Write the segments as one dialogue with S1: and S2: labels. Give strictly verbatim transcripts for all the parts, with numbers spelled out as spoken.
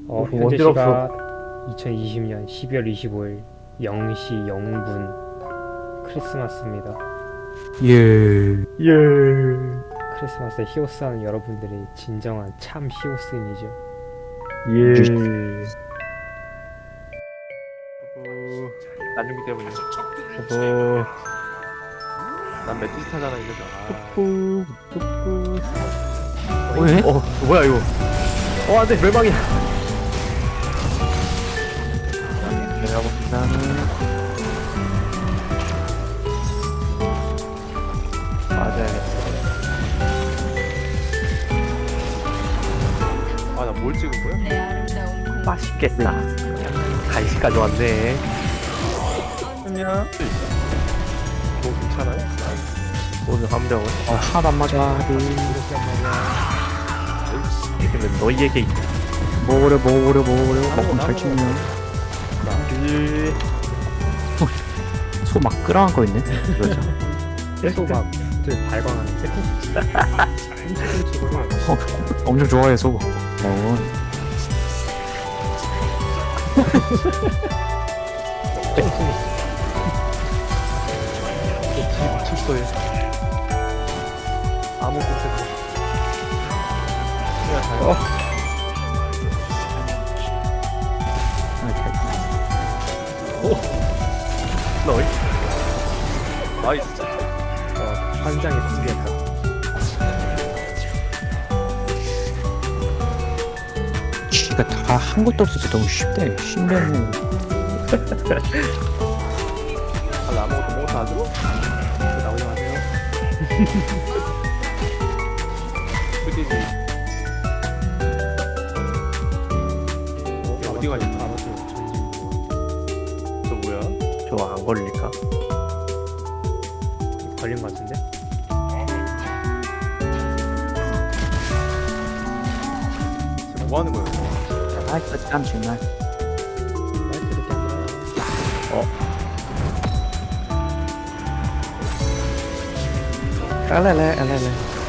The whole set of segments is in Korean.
S1: 어,
S2: 어,
S1: 현재
S2: 어지럽어.
S1: 시각 이천이십 년 십이월 이십오일 영 시 영 분 크리스마스입니다.
S3: 예.
S2: 예.
S1: 크리스마스에 히오스하는 여러분들이 진정한 참 히오스인이죠.
S2: 예.
S4: 어... 안중기 때문에
S2: 어.
S4: 난 매트리스 타잖아 이래서 아...
S2: 뚝뚝 뚝뚝.
S3: 왜?
S2: 어, 뭐야 이거? 어, 안돼 멸망이야.
S3: 내가 본다는
S2: 맞아야겠어.
S4: 아 나 뭘 찍은 거야?
S2: 맛있겠다. 간식까지 왔네.
S4: 아니야 뭐 괜찮아요?
S2: 오늘 함정은
S3: 아 하나도 안 맞아.
S2: 이기는 너희에게 있다.
S3: 먹으려 먹으려 먹으려 먹고 발치면
S2: 예.
S3: 소 막 끌어간 거 있네.
S2: 그렇죠.
S1: 소가 들 발광하는데?
S3: 어, 엄청 좋아해 소. 어.
S4: 미쳤어요 아무 곳에서 그냥 잘
S2: 어. 너희.
S4: 나이스
S1: 어, 환장의 풍비였다.
S3: 이거 다 한 것도 없어서 너무 쉽대. 쉽면은
S4: 아, 나 아무것도 못 하죠? 나오지 마세요 그디지 어? 어디 가냐 저 뭐야?
S2: 저 안 걸릴까?
S1: 걸린 것 같은데?
S4: 지금 뭐 하는 거예요?
S3: 아 참 정말.
S1: 말도 이렇게 안 들어가요.
S2: 알레레 알레레.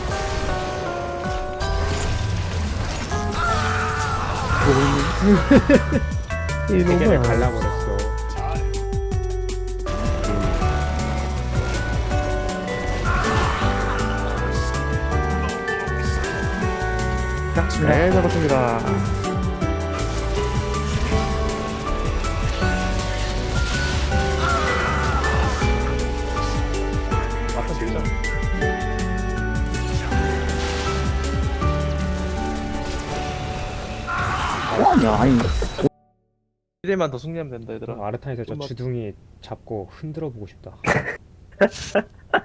S1: 베개를 갈라버렸어.
S2: 네, 잡았습니다.
S4: 아까 들잖아
S3: 뭐하냐? 아니
S4: 이대만 더 승리하면 된다 얘들아
S1: 아르타니스 저
S4: 음악-
S1: 주둥이 잡고 흔들어 보고 싶다.